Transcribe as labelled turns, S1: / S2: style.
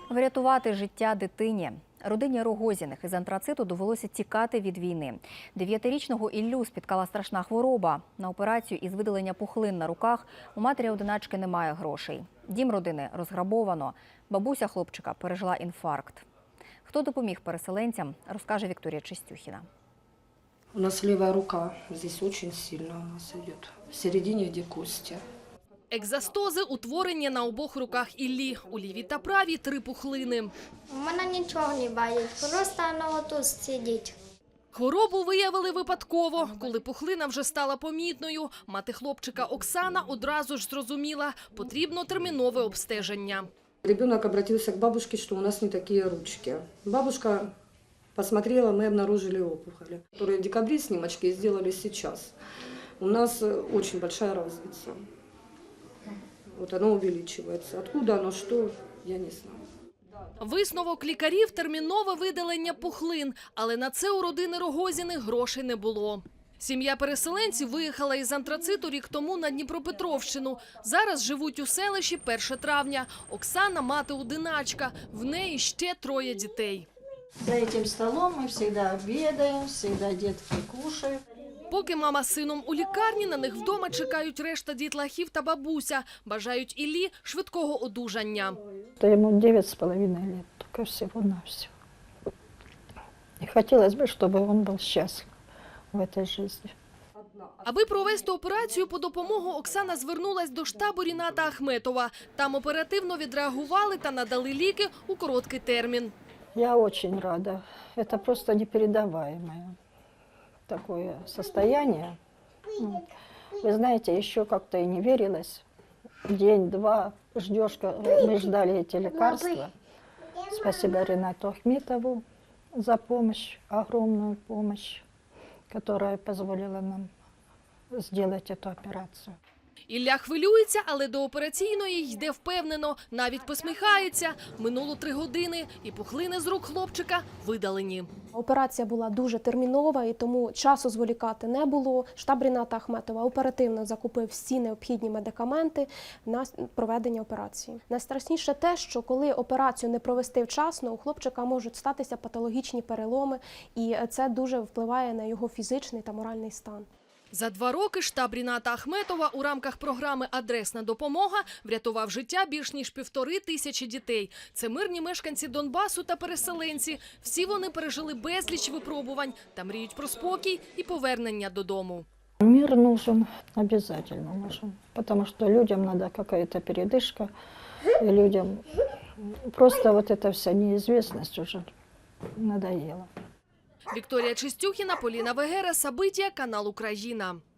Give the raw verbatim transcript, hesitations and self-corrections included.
S1: Врятувати життя дитині. Родині Рогозіних із антрациту довелося тікати від війни. Дев'ятирічного Іллю спіткала страшна хвороба. На операцію із видалення пухлин на руках у матері-одиначки немає грошей. Дім родини розграбовано. Бабуся хлопчика пережила інфаркт. Хто допоміг переселенцям, розкаже Вікторія Чистюхіна.
S2: У нас левая рука, здесь очень сильно у нас идет, в середине, где кости.
S3: Екзастози утворені на обох руках Іллі. У лівій та правій три пухлини.
S4: У мене нічого не болить, просто воно тут сидить.
S3: Хворобу виявили випадково. Коли пухлина вже стала помітною, мати хлопчика Оксана одразу ж зрозуміла – потрібно термінове обстеження.
S2: Ребенок обратился к бабушке, что у нас не такие ручки. Бабушка посмотрела, мы обнаружили опухоли, которые в декабре снимочки сделали сейчас. У нас очень большая разница. Вот оно увеличивается. Откуда оно, что, я не знаю.
S3: Висновок лікарів – термінове видалення пухлин. Але на це у родини Рогозіних грошей не було. Сім'я переселенців виїхала із антрациту рік тому на Дніпропетровщину. Зараз живуть у селищі першого травня. Оксана – мати-одиначка. В неї ще троє дітей.
S5: За этим столом мы всегда обедаем, всегда детки кушают.
S3: Поки мама з сином у лікарні, на них вдома чекають решта дітлахів та бабуся. Бажають Іллі швидкого одужання.
S6: Ему девять с половиной лет, только всего-навсего. И хотелось бы, чтобы он был счастлив в этой жизни.
S3: Аби провести операцію по допомогу, Оксана звернулась до штабу Ріната Ахметова. Там оперативно відреагували та надали ліки у короткий термін.
S6: Я очень рада. Это просто непередаваемое такое состояние. Вы знаете, еще как-то и не верилось. День-два ждешь, мы ждали эти лекарства. Спасибо Ринату Ахметову за помощь, огромную помощь, которая позволила нам сделать эту операцию.
S3: Ілля хвилюється, але до операційної йде впевнено, навіть посміхається. Минуло три години, і пухлини з рук хлопчика видалені.
S7: Операція була дуже термінова, і тому часу зволікати не було. Штаб Ріната Ахметова оперативно закупив всі необхідні медикаменти на проведення операції. Найстрашніше те, що коли операцію не провести вчасно, у хлопчика можуть статися патологічні переломи, і це дуже впливає на його фізичний та моральний стан.
S3: За два роки штаб Ріната Ахметова у рамках програми «Адресна допомога» врятував життя більш ніж півтори тисячі дітей. Це мирні мешканці Донбасу та переселенці. Всі вони пережили безліч випробувань та мріють про спокій і повернення додому.
S6: Мир нужен, обязательно нужен, потому что людям надо какая-то передышка, и людям просто вот эта вся неизвестность уже надоела.
S3: Вікторія Чистюхіна, Поліна Вегера, Сабиття, канал Україна.